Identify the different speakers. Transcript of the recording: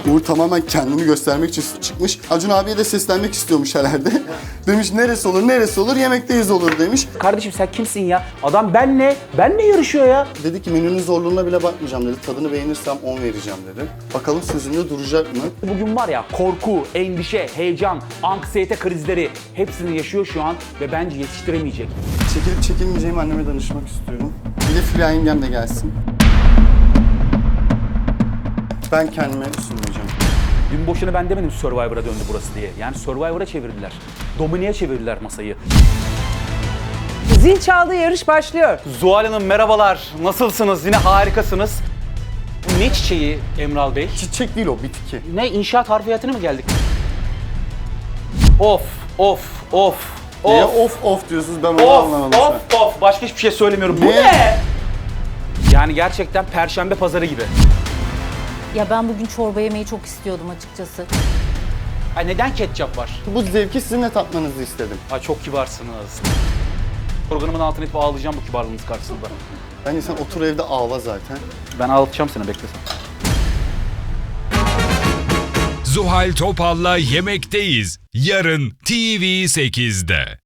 Speaker 1: Uğur tamamen kendini göstermek için çıkmış. Acun abiye de seslenmek istiyormuş herhalde. Demiş neresi olur, neresi olur, yemekteyiz olur demiş.
Speaker 2: Kardeşim sen kimsin ya? Adam benle yarışıyor ya.
Speaker 1: Dedi ki menünün zorluğuna bile bakmayacağım dedi. Tadını beğenirsem 10 vereceğim dedi. Bakalım sözünde duracak mı?
Speaker 2: Bugün var ya korku, endişe, heyecan, anksiyete krizleri hepsini yaşıyor şu an ve bence yetiştiremeyecek.
Speaker 1: Çekilip çekilmeyeceğimi anneme danışmak istiyorum. Bir de Fulya yengem de gelsin. Ben kendime sunmayacağım.
Speaker 2: Dün boşuna ben demedim Survivor'a döndü burası diye. Yani Survivor'a çevirdiler. Domine'ye çevirdiler masayı.
Speaker 3: Zil çaldı, yarış başlıyor.
Speaker 2: Zuhal Hanım merhabalar. Nasılsınız? Yine harikasınız. Bu ne çiçeği Emral Bey?
Speaker 1: Çiçek değil o, bitki.
Speaker 2: Ne inşaat harfiyatına mı geldik? Of.
Speaker 1: Niye of diyorsunuz ben onu anlamadım şu an.
Speaker 2: Of. Başka hiçbir şey söylemiyorum. Bu
Speaker 1: Ne?
Speaker 2: ne? Yani gerçekten Perşembe pazarı gibi.
Speaker 4: Ya ben bugün çorba yemeyi çok istiyordum açıkçası.
Speaker 2: Ay neden ketçap var?
Speaker 1: Bu zevki sizinle tatmanızı istedim.
Speaker 2: Ay çok kibarsınız. Programın altına itip ağlayacağım bu kibarlığınız karşısında.
Speaker 1: Bence sen otur evde ağla zaten.
Speaker 2: Ben ağlatacağım seni beklesen.
Speaker 5: Zuhal Topal'la Yemekteyiz. Yarın TV8'de.